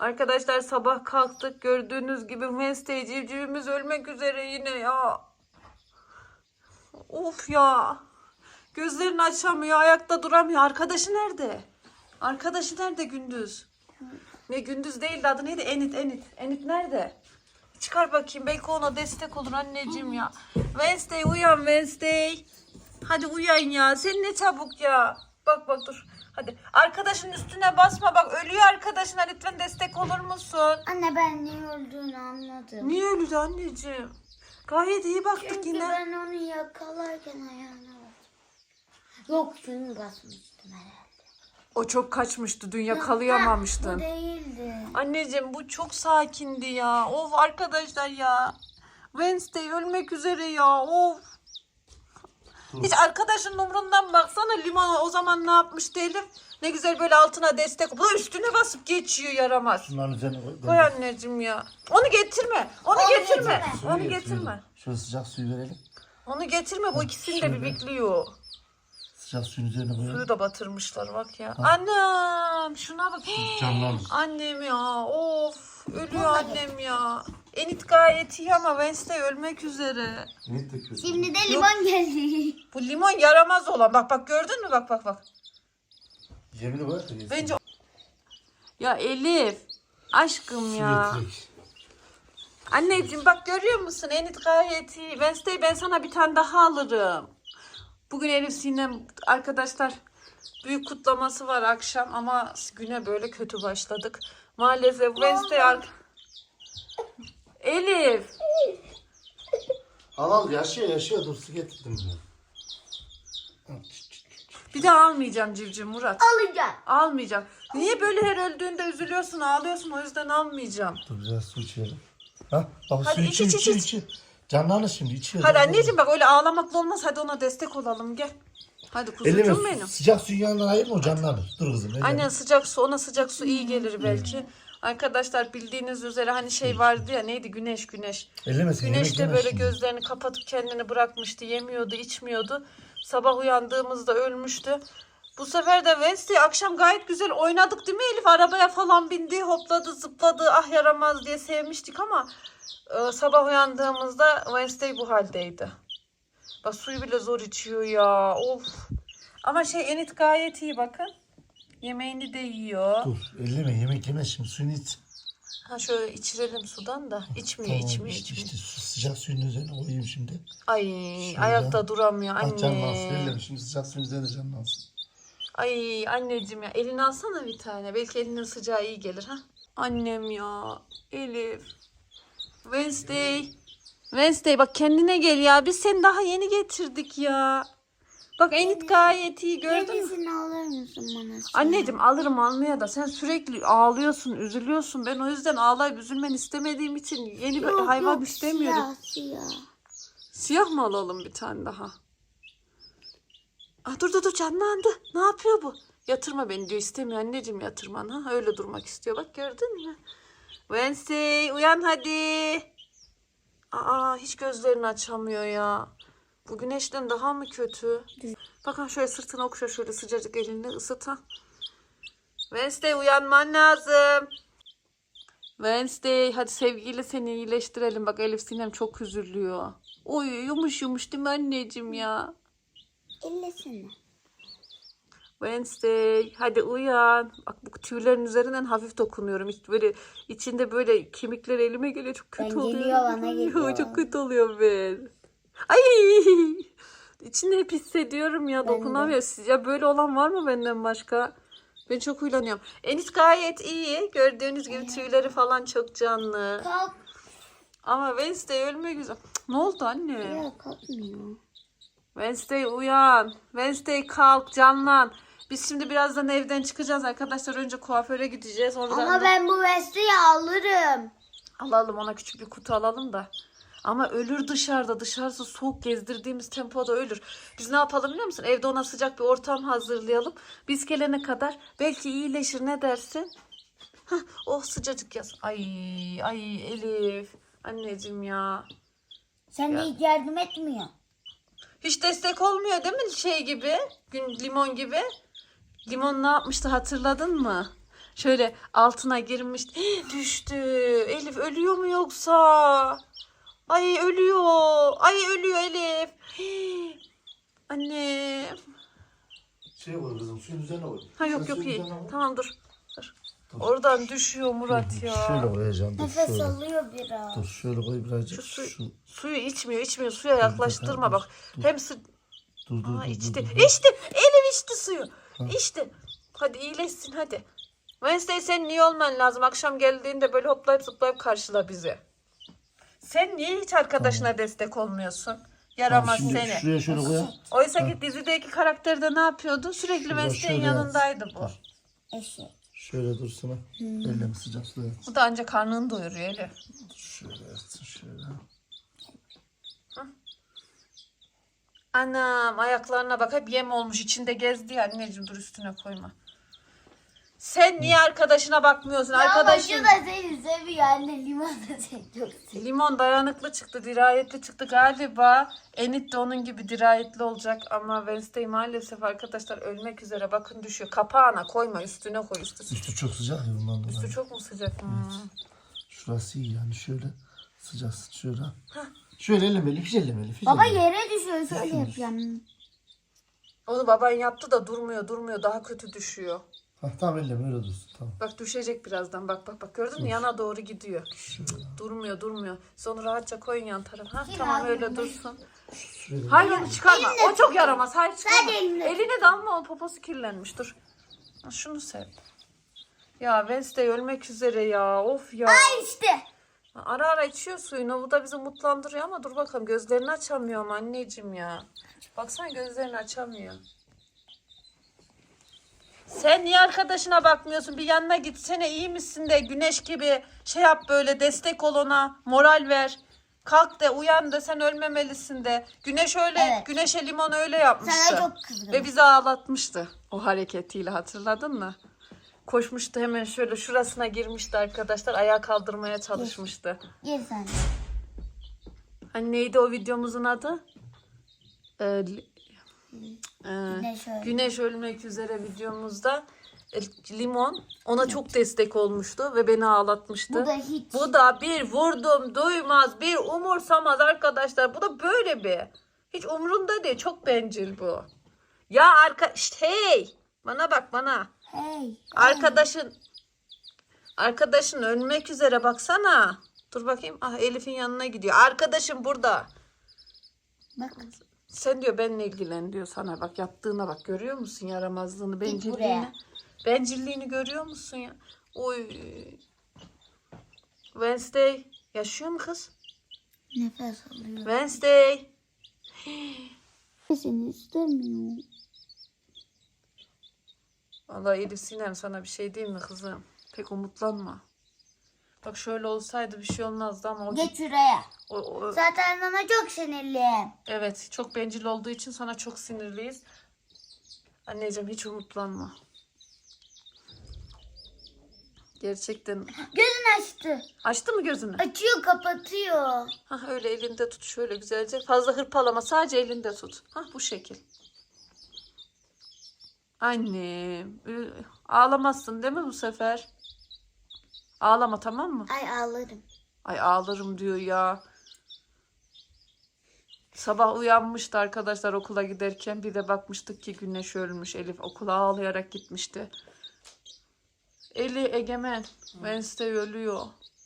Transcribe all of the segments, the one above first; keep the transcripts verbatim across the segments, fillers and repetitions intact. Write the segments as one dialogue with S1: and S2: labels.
S1: Arkadaşlar sabah kalktık. Gördüğünüz gibi Wednesday civcivimiz ölmek üzere yine ya. Of ya. Gözlerini açamıyor. Ayakta duramıyor. Arkadaşı nerede? Arkadaşı nerede Gündüz? Ne Gündüz değil de adı neydi? Enit Enit. Enit nerede? Çıkar bakayım. Belki ona destek olur anneciğim ya. Wednesday uyan Wednesday. Hadi uyan ya. Sen ne çabuk ya. Bak bak dur. Hadi arkadaşın üstüne basma. Bak ölüyor arkadaşına. Lütfen destek olur musun?
S2: Anne ben niye öldüğünü anladım.
S1: Niye öldü anneciğim? Gayet iyi baktık
S2: Çünkü
S1: yine.
S2: ben onu yakalarken ayağına bastım. Yok şunu basmıştım herhalde.
S1: O çok kaçmıştı. Dün
S2: Ha,
S1: yakalayamamıştın.
S2: bu değildi.
S1: Anneciğim bu çok sakindi ya. Of arkadaşlar ya. Wednesday ölmek üzere ya. Of. Hiç arkadaşın umrundan baksana limona o zaman ne yapmıştı Elif? Ne güzel böyle altına destek. Bu da üstüne basıp geçiyor yaramaz.
S3: Şunların üzerine koy.
S1: Koy anneciğim ya. Onu getirme. Onu,
S2: Onu
S1: getirme.
S2: getirme.
S3: Suyu
S1: Onu
S3: getir,
S1: getirme.
S3: suyu. Şöyle sıcak suyu verelim.
S1: Onu getirme. Bu ikisini de
S3: şöyle.
S1: bir bekliyor.
S3: Sıcak suyun üzerine koyalım.
S1: Suyu da batırmışlar bak ya. Annem şuna bak.
S3: Canlanır.
S1: Annem ya of ölüyor annem ya. Enit gayet iyi ama Wednesday ölmek üzere.
S3: Ne döküyorsun?
S2: Şimdi de limon geldi.
S1: Bu limon yaramaz olan. Bak bak gördün mü bak bak bak.
S3: Yemini koy da yesin.
S1: Bence ya Elif aşkım ya.
S3: Su getirek.
S1: Anneciğim bak görüyor musun Enit gayet iyi. Wednesday ben sana bir tane daha alırım. Bugün Elif Sinem arkadaşlar büyük kutlaması var akşam ama güne böyle kötü başladık. Maalesef Wednesday ar- Elif.
S3: Al al yaşıyor yaşıyor. Dur su getirdim ben.
S1: Bir daha almayacağım civciv Murat.
S2: Alacağım.
S1: Almayacağım. Niye böyle her öldüğünde üzülüyorsun ağlıyorsun o yüzden almayacağım.
S3: Dur biraz su içelim. Ha? Bak
S1: Hadi
S3: su
S1: iç,
S3: içiyor
S1: iç,
S3: içiyor
S1: iç.
S3: içiyor. Canlanır şimdi içiyor.
S1: Hadi
S3: canlanır.
S1: anneciğim bak öyle ağlamakla olmaz hadi ona destek olalım gel. Hadi
S3: Elime
S1: kuzucuğum benim.
S3: sıcak suyun yanından ayırma o canlanır. Dur kızım. elime.
S1: Aynen sıcak su ona sıcak su iyi gelir belki. Arkadaşlar bildiğiniz üzere hani şey vardı ya neydi güneş güneş.
S3: Ellemesin. yemek
S1: Güneş de
S3: yemez
S1: böyle
S3: şimdi.
S1: gözlerini kapatıp kendini bırakmıştı. Yemiyordu içmiyordu. Sabah uyandığımızda ölmüştü. Bu sefer de Wednesday akşam gayet güzel oynadık değil mi Elif? Arabaya falan bindi hopladı zıpladı ah yaramaz diye sevmiştik ama e, sabah uyandığımızda Wednesday bu haldeydi. Bak suyu bile zor içiyor ya of. Ama şey Enit gayet iyi bakın. Yemeğini de yiyor.
S3: Dur elleme yemek yemez şimdi suyunu iç.
S1: Ha şöyle içirelim sudan da. İçmiyor
S3: Tamam
S1: içmiyor
S3: işte,
S1: içmiyor.
S3: işte su, sıcak suyun üzerine koyayım şimdi.
S1: Ay
S3: Şöyle.
S1: ayakta duramıyor
S3: Ah canlansın
S1: anne.
S3: elleme şimdi sıcak suyun üzerine canlansın.
S1: Ay anneciğim ya elini alsana bir tane. Belki elinin sıcağı iyi gelir ha. Annem ya. Elif. Wednesday. Wednesday bak kendine gel ya. Biz seni daha yeni getirdik ya. Bak Enit gayet iyi gördün mü?
S2: Yenisini alır mısın bana?
S1: Anneciğim alırım almaya da sen sürekli ağlıyorsun, üzülüyorsun. Ben o yüzden ağlayıp üzülmeni istemediğim için yeni bir
S2: Yok,
S1: hayvan
S2: yok,
S1: istemiyorum.
S2: Siyah siyah.
S1: Siyah mı alalım bir tane daha? Ah, dur dur dur canlandı. Ne yapıyor bu? Yatırma beni diyor. İstemiyor anneciğim yatırman. Ha? Öyle durmak istiyor. Bak gördün mü? Wednesday uyan hadi. Aa hiç gözlerini açamıyor ya. Bu güneşten daha mı kötü? Bakın şöyle sırtını okşa şöyle sıcacık elini ısıt ha. Wednesday uyanman lazım. Wednesday hadi sevgiyle seni iyileştirelim. Bak Elif Sinem çok üzülüyor. Oy yumuş yumuş değil mi anneciğim ya?
S2: Ellesene.
S1: Wednesday hadi uyan. Bak bu tüylerin üzerinden hafif dokunuyorum. Hiç böyle içinde böyle kemikler elime geliyor. Çok kötü
S2: Ben
S1: oluyor.
S2: geliyor, bana geliyor.
S1: Çok kötü oluyor ben. Ay içinde hep hissediyorum ya
S2: Ben de.
S1: dokunamıyor. Siz- Ya böyle olan var mı benden başka? Ben çok huylanıyorum. Enis gayet iyi. Gördüğünüz gibi tüyleri falan çok canlı.
S2: Kalk.
S1: Ama Wednesday ölmek güzel. Ne oldu anne?
S2: Ya kalkmıyor.
S1: Wednesday uyan. Wednesday kalk canlan. Biz şimdi birazdan evden çıkacağız arkadaşlar. Önce kuaföre gideceğiz. Oradan
S2: Ama
S1: da-
S2: ben bu vestiyi alırım.
S1: alalım ona küçük bir kutu alalım da. Ama ölür dışarıda. Dışarısı soğuk gezdirdiğimiz tempoda ölür. Biz ne yapalım biliyor musun? Evde ona sıcak bir ortam hazırlayalım. Biz gelene kadar belki iyileşir ne dersin? Hah, oh sıcacık yaz. Ay ay Elif. Anneciğim ya.
S2: Sen de hiç yardım etmiyor.
S1: Hiç destek olmuyor değil mi şey gibi? Gün limon gibi. Limon ne yapmıştı hatırladın mı? Şöyle altına girmiş. Düştü. Elif ölüyor mu yoksa? Ay ölüyor. Ay ölüyor Elif. Annem.
S3: Şey koy kızım suyun üzerine koy.
S1: Ha yok
S3: Sen
S1: yok
S3: suyun
S1: iyi.
S3: üzerine koy.
S1: Tamam dur. Dur. Oradan düşüyor Murat ya.
S3: Şöyle koyacağım. Dur
S2: Nefes
S3: şöyle.
S2: alıyor biraz.
S3: Dur şöyle koy birazcık.
S1: Şu
S3: Şu,
S1: suyu, suyu içmiyor içmiyor. Suya yaklaştırma
S3: dur,
S1: bak.
S3: dur.
S1: Hem sı
S3: Dur dur
S1: Aa,
S3: dur.
S1: içti.
S3: dur, dur.
S1: İçti. Elif içti suyu. İçti. Hadi iyileşsin hadi. Wednesday senin iyi olman lazım. Akşam geldiğinde böyle hoplayıp zıplayıp karşıla bizi. Sen niye hiç arkadaşına destek olmuyorsun? Yaramaz
S3: Tamam, şimdi
S1: seni.
S3: şuraya şöyle koyalım.
S1: Oysa ki dizideki karakterde ne yapıyordu? Sürekli
S3: Şurada
S1: Wednesday'in
S3: şöyle
S1: yanındaydı bu.
S3: Dur.
S2: Eşek.
S3: Şöyle dursana.
S1: Hmm.
S3: Ellerimi sıcak suya at.
S1: Bu da ancak karnını doyuruyor Elif.
S3: Şöyle yatsın şöyle.
S1: Anam ayaklarına bak hep yem olmuş içinde gezdi ya. Anneciğim dur üstüne koyma. Sen niye arkadaşına bakmıyorsun? Arkadaşın
S2: Arkadaşın da seni seviyor anne. Limon da seni çok seviyor.
S1: limon dayanıklı çıktı, dirayetli çıktı galiba. Enit de onun gibi dirayetli olacak ama Wednesday maalesef arkadaşlar ölmek üzere. Bakın düşüyor. Kapağına koyma, üstüne koy. Üstü,
S3: Üstü çok sıcak ya bundan dolayı.
S1: üstü çok mu sıcak? Hmm.
S3: Şurası iyi yani şöyle sıcak şöyle. Şöyle ellemeli, hiç ellemeli. Hiç
S2: Baba
S3: ellemeli.
S2: yere düşüyor şöyle yapacağım.
S1: Onu baban yaptı da durmuyor durmuyor. Daha kötü düşüyor.
S3: Ha, tamam elleme öyle dursun tamam.
S1: Bak düşecek birazdan. Bak bak bak gördün mü? Yana doğru gidiyor.
S3: Şöyle.
S1: Durmuyor durmuyor. Siz onu rahatça koyun yan tarafa. Ha,
S2: Kim
S1: tamam
S2: aldı
S1: öyle
S2: bunu?
S1: dursun.
S3: Şuraya
S1: Hayır onu çıkarma. O çok yaramaz. Hayır çıkarma.
S2: Sadece eline
S1: Eline damla o poposu kirlenmiş. Dur. Ha, şunu sev. Ya Wednesday ölmek üzere ya. Of ya.
S2: İşte.
S1: Ara ara içiyor suyunu. Bu da bizi mutlandırıyor ama dur bakalım. Gözlerini açamıyor ama anneciğim ya. Baksana gözlerini açamıyor. Sen niye arkadaşına bakmıyorsun? Bir yanına gitsene, iyi misin de güneş gibi şey yap, böyle destek ol ona. Moral ver. Kalk de uyan da sen ölmemelisin de. Güneş öyle,
S2: Evet.
S1: güneşe limon öyle yapmıştı.
S2: Sana çok kızgınım.
S1: Ve bizi ağlatmıştı o hareketiyle, hatırladın mı? Koşmuştu hemen şöyle şurasına girmişti arkadaşlar. Ayağa kaldırmaya çalışmıştı.
S2: Gel sen.
S1: Hani neydi o videomuzun adı? Ee, li- ee,
S2: Güneş öyle.
S1: Güneş ölmek üzere videomuzda e, limon ona çok destek olmuştu ve beni ağlatmıştı.
S2: Bu da hiç.
S1: Bu da bir vurdum duymaz, bir umursamaz arkadaşlar. Bu da böyle bir. Hiç umrunda değil. Çok bencil bu. Ya arka işte hey, bana bak bana.
S2: Hey.
S1: Arkadaşın arkadaşın ölmek üzere, baksana. Dur bakayım. Ah, Elif'in yanına gidiyor. Arkadaşım burada.
S2: Bak.
S1: Sen diyor benimle ilgilen diyor sana. Bak yaptığına bak, görüyor musun yaramazlığını, bencilliğini?
S2: buraya.
S1: Bencilliğini görüyor musun ya? Oy. Wednesday yaşıyor mu kız?
S2: Nefes alıyor.
S1: Wednesday.
S2: Seni istemiyorum.
S1: Vallahi Elif Sinem sana bir şey diyeyim mi kızım? Pek umutlanma. Bak şöyle olsaydı bir şey olmazdı ama o,
S2: Geç şuraya.
S1: o, o-
S2: Zaten sana çok sinirliyim.
S1: evet, çok bencil olduğu için sana çok sinirliyiz. Anneciğim hiç umutlanma. Gerçekten.
S2: Gözünü açtı.
S1: Açtı mı gözünü?
S2: Açıyor kapatıyor.
S1: Hah, öyle elinde tut şöyle güzelce. Fazla hırpalama, sadece elinde tut. Hah, bu şekil. Annem. ü- Ağlamazsın değil mi bu sefer? Ağlama, tamam mı?
S2: Ay ağlarım.
S1: Ay ağlarım diyor ya. Sabah uyanmıştı arkadaşlar okula giderken. Bir de bakmıştık ki Güneş ölmüş. Elif okula ağlayarak gitmişti. Eli Egemen. Wednesday ölüyor.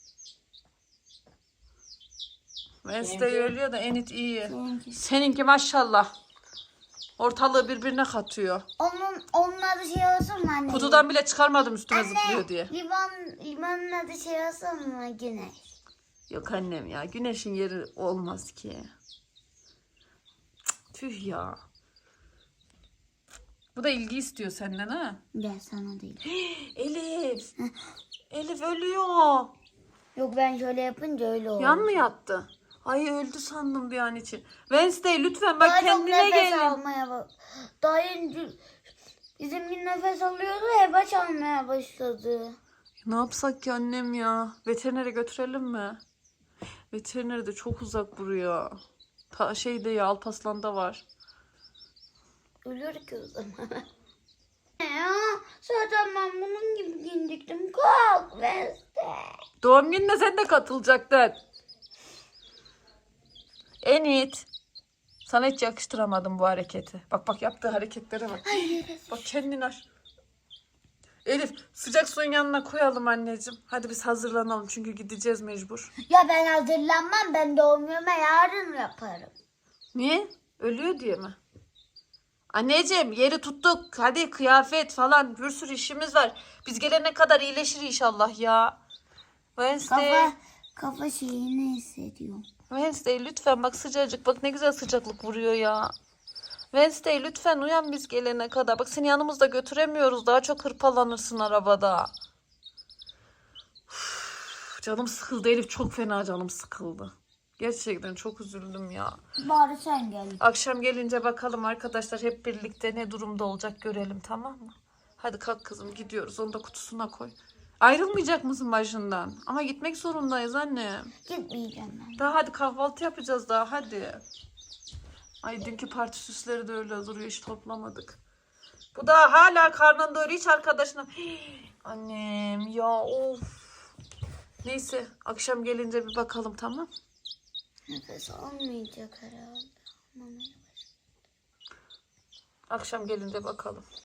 S1: Wednesday ölüyor da Enit iyi.
S2: Seninki.
S1: Seninki maşallah. Ortalığı birbirine katıyor.
S2: Onun, onun adı şey olsun mu anne?
S1: Kutudan bile çıkarmadım üstüme
S2: Anne,
S1: zıplıyor diye.
S2: Limon, limonun adı şey olsun mu? Güneş.
S1: Yok annem ya. Güneşin yeri olmaz ki. Cık, tüh ya. Bu da ilgi istiyor senden ha.
S2: Gel sana değil.
S1: Elif. Elif ölüyor.
S2: Yok ben şöyle yapınca öyle oldu.
S1: Yan mı yattı? Ay öldü sandım bir an için. Wednesday lütfen bak
S2: Daha çok
S1: kendine
S2: nefes
S1: gelin.
S2: almaya bak. Daha önce bizim bir nefes alıyordu, hebaç almaya başladı.
S1: Ne yapsak ki annem ya? Veterinere götürelim mi? Veteriner de çok uzak buraya. Ta şeyde ya, Alpaslan'da var.
S2: Ölür ki o zaman. Ya zaten ben bunun gibi giyindik
S1: Doğum gününe sen de katılacaktın. Enit. Sana hiç yakıştıramadım bu hareketi. Bak bak yaptığı hareketlere bak. Bak kendini aç. Elif sıcak suyun yanına koyalım anneciğim. Hadi biz hazırlanalım çünkü gideceğiz mecbur.
S2: Ya ben hazırlanmam. Ben doğum günümü yarın yaparım.
S1: Niye? Ölüyor diye mi? Anneciğim yeri tuttuk. Hadi kıyafet falan bir sürü işimiz var. Biz gelene kadar iyileşir inşallah ya. Wednesday.
S2: Kafa, kafa şeyini hissediyorum.
S1: Wednesday lütfen bak sıcacık. Bak ne güzel sıcaklık vuruyor ya. Wednesday lütfen uyan biz gelene kadar. Bak seni yanımızda götüremiyoruz. Daha çok hırpalanırsın arabada. Uf, canım sıkıldı Elif. Çok fena canım sıkıldı. Gerçekten çok üzüldüm ya.
S2: Bari sen gel.
S1: Akşam gelince bakalım arkadaşlar hep birlikte ne durumda olacak görelim, tamam mı? Hadi kalk kızım gidiyoruz. Onu da kutusuna koy. Ayrılmayacak mısın başından? Ama gitmek zorundayız annem.
S2: Gitmeyeceğim ben.
S1: Daha hadi kahvaltı yapacağız daha hadi. Ay dünkü parti süsleri de öyle duruyor, hiç toplamadık. Bu da hala karnında öyle hiç arkadaşına. Hii, annem ya of. Neyse akşam gelince bir bakalım, tamam.
S2: Nefes almayacak herhalde. Aman.
S1: Akşam gelince bakalım.